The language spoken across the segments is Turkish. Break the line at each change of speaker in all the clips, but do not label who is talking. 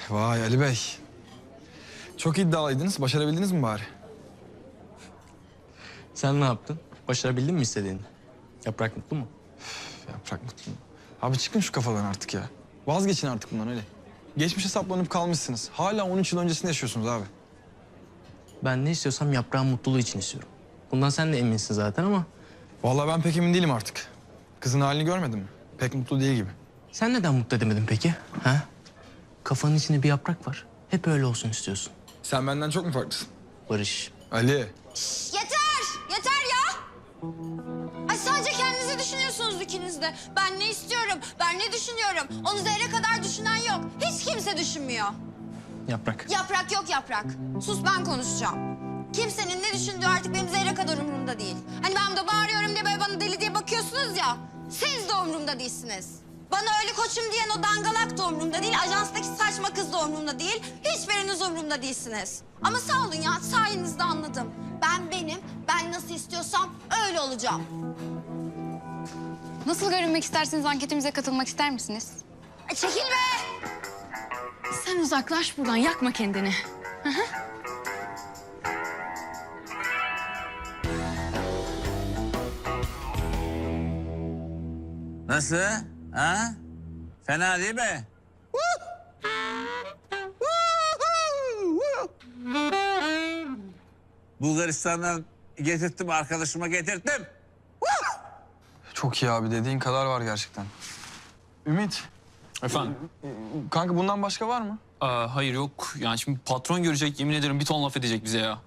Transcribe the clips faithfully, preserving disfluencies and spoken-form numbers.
Vay Ali Bey. Çok iddialıydınız. Başarabildiniz mi bari?
Sen ne yaptın? Başarabildin mi istediğini? Yaprak mutlu mu?
Üf, Yaprak mutlu mu? Abi çıkın şu kafadan artık ya. Vazgeçin artık bundan öyle. Geçmişe saplanıp kalmışsınız. Hala on üç yıl öncesinde yaşıyorsunuz abi.
Ben ne istiyorsam yaprağın mutluluğu için istiyorum. Bundan sen de eminsin zaten ama...
Vallahi ben pek emin değilim artık. Kızın halini görmedin mi? Pek mutlu değil gibi.
Sen neden mutlu edemedin peki? Ha? Kafanın içinde bir yaprak var. Hep öyle olsun istiyorsun.
Sen benden çok mu farklısın?
Barış.
Ali.
Yeter! Yeter ya! Ay sadece kendinizi düşünüyorsunuz ikiniz de. Ben ne istiyorum, ben ne düşünüyorum. Onu zerre kadar düşünen yok. Hiç kimse düşünmüyor.
Yaprak.
Yaprak yok yaprak. Sus ben konuşacağım. Kimsenin ne düşündüğü artık benim zerre kadar umurumda değil. Hani ben de bağırıyorum diye böyle bana deli diye bakıyorsunuz ya. Siz de umurumda değilsiniz. Bana öyle koçum diyen o dangalak da umurumda değil. Ajanstaki saçma kız da umurumda değil. Hiçbiriniz umurumda değilsiniz. Ama sağ olun ya, sayenizde anladım. Ben benim, ben nasıl istiyorsam öyle olacağım.
Nasıl görünmek isterseniz anketimize katılmak ister misiniz?
Ay çekil be!
Sen uzaklaş buradan, yakma kendini.
Nasıl? Ha? Fena değil mi? Bulgaristan'dan getirttim, arkadaşıma getirttim.
Çok iyi abi. Dediğin kadar var gerçekten. Ümit.
Efendim?
Kanka bundan başka var mı?
Aa, hayır yok. Yani şimdi patron görecek, yemin ederim bir ton laf edecek bize ya.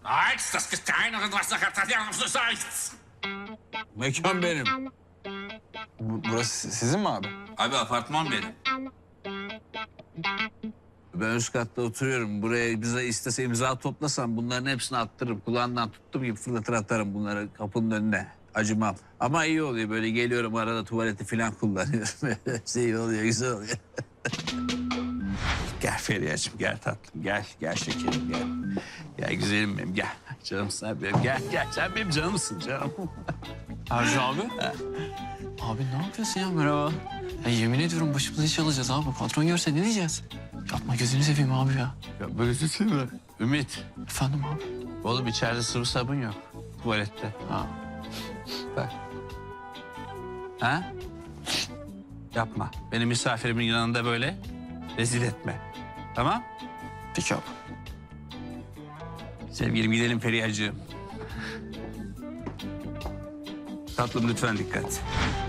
Mekan benim.
Bu, burası sizin mi abi?
Abi apartman benim. Ben üst katta oturuyorum. Buraya bize istese imza toplasam bunların hepsini attırırım. Kulağından tuttuğum gibi fırlatır atarım bunları kapının önüne. Acımam. Ama iyi oluyor böyle geliyorum arada tuvaleti falan kullanıyorum. şey oluyor, güzel oluyor. Gel Feriha'cığım, gel tatlım, gel, gel şekerim, gel. Gel güzelim benim, gel. Canım sen benim, gel, gel. Sen benim canımsın, canım.
Erci abi. Abi ne yapıyorsun ya? Merhaba. Ya yemin ediyorum başımıza iş alacağız abi. Patron görse ne diyeceğiz? Yapma gözünü seveyim abi ya.
Ya böyle şey mi? Ümit,
Efendim abi.
oğlum içeride sıvı sabun yok. Tuvalette.
Ha.
Bak. Ha? Yapma. Benim misafirimin yanında böyle rezil etme. Tamam?
Peki abi.
Sevgilim gidelim Feriha'cığım. Tatlım lütfen dikkat.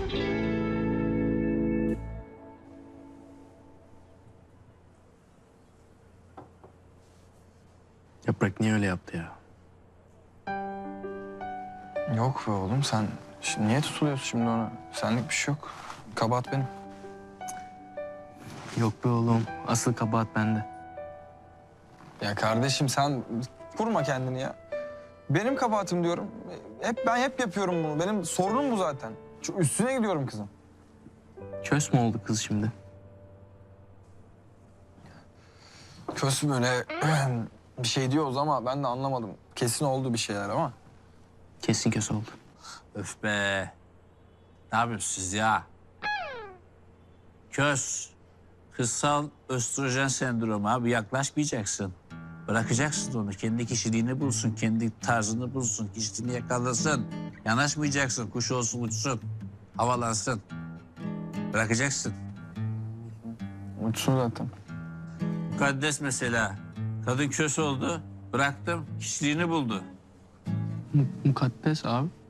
Yaprak niye öyle yaptı ya?
Yok be oğlum sen şimdi niye tutuluyorsun şimdi ona? Senlik bir şey yok. Kabahat benim.
Yok be oğlum. Asıl kabahat bende.
Ya kardeşim sen kurma kendini ya. Benim kabahatim diyorum. Hep ben hep yapıyorum bunu. Benim sorunum bu zaten. Şu üstüne gidiyorum kızım.
Kös mü oldu kız şimdi?
Kös böyle bir şey diyoruz ama ben de anlamadım. Kesin oldu bir şeyler ama.
Kesin kös oldu.
Öf be. Ne yapıyorsunuz siz ya? Köz. Kızsal östrojen sendromu abi, yaklaşmayacaksın. Bırakacaksın onu. Kendi kişiliğini bulsun, kendi tarzını bulsun, kişiliğini yakalasın. Yanaşmayacaksın, kuş olsun uçsun, havalansın. Bırakacaksın.
Uçsun zaten.
Mukaddes mesela. Kadın kös oldu, bıraktım, kişiliğini buldu.
Mu- mukaddes abi.